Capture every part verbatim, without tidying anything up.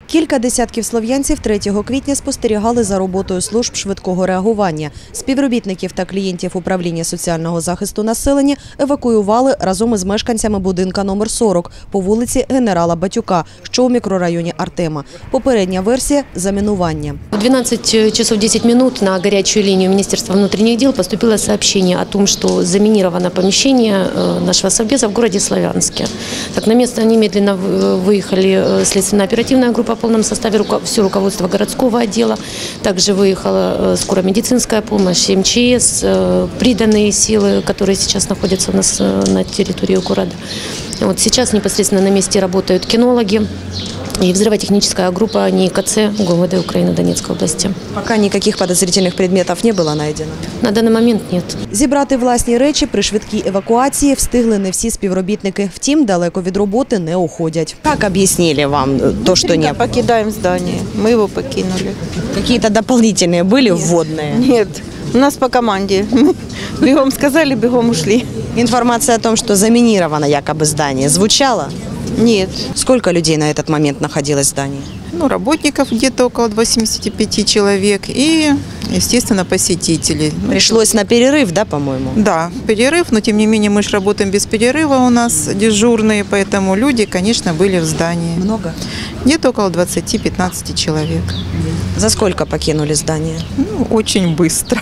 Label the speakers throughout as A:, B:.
A: Кілька десятків слов'янців третього квітня спостерігали за роботою служб швидкого реагування. Співробітників та клієнтів управління соціального захисту населення евакуювали разом із мешканцями будинка номер сорок по вулиці Генерала Батюка, що у мікрорайоні Артема. Попередня версія – замінування.
B: В двенадцать часов десять минут на горячую линию Министерства внутренних дел поступило сообщение о том, что заминировано помещение нашего совбеза в городе Славянске. Так, на место немедленно выехали следственно-оперативная группа в полном составе, все руководство городского отдела. Также выехала скоромедицинская помощь, эм че эс, приданные силы, которые сейчас находятся у нас на территории города. Вот сейчас непосредственно на месте работают кинологи и взрывотехническая группа НИИКЦ ГУВД Украины Донецкой области.
A: Пока никаких подозрительных предметов не было найдено?
B: На данный момент нет.
A: Зібрати власні речі при швидкій евакуації встигли не всі співробітники. Втім, далеко від роботи не уходять. Як об'яснили вам то, що не було?
C: Покидаем здание. Мы его покинули.
A: Какие-то дополнительные были вводные?
C: Нет, у нас по команде. Мы бегом сказали, бегом ушли.
A: Информация о том, что заминировано якобы здание, звучала?
C: Нет.
A: Сколько людей на этот момент находилось в здании?
C: Ну, работников где-то около восьмидесяти пяти человек и, естественно, посетителей.
A: Пришлось на перерыв, да, по-моему?
C: Да, перерыв, но тем не менее мы же работаем без перерыва, у нас дежурные, поэтому люди, конечно, были в здании.
A: Много?
C: Где-то около двадцати-пятнадцати человек.
A: За сколько покинули здание?
C: Ну, очень быстро.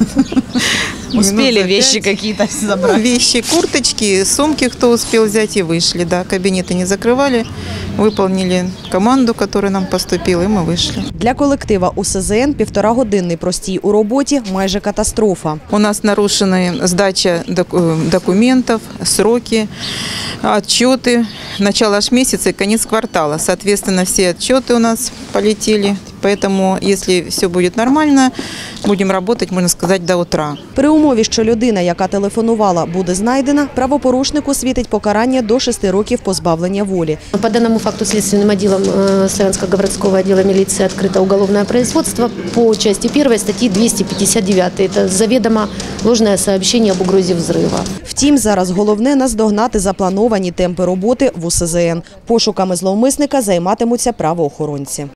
A: Успели вещи какие-то забрать?
C: Вещи, курточки, сумки, кто успел взять, и вышли. Да, кабинеты не закрывали, выполнили команду, которая нам поступила, и мы вышли.
A: Для колектива у ес зе ен півторагодинний простій у роботі – майже катастрофа.
C: У нас нарушены сдача документов, сроки, отчеты. Начало аж месяца и конец квартала. Соответственно, все отчеты у нас полетели. Поэтому, если все будет нормально, будем работать, можно сказать, до утра.
A: При умові, що людина, яка телефонувала, буде знайдена, правопорушнику світить покарання до шести років позбавлення волі.
B: По данному факту следственным отделом Славянского городского отдела милиции открыто уголовное производство по части первой статьи двести пятьдесят девять. Это заведомо ложное сообщение об угрозе взрыва.
A: Втім, зараз головне – наздогнати заплановані темпи роботи в у ес зе ен. Пошуками зловмисника займатимуться правоохоронці.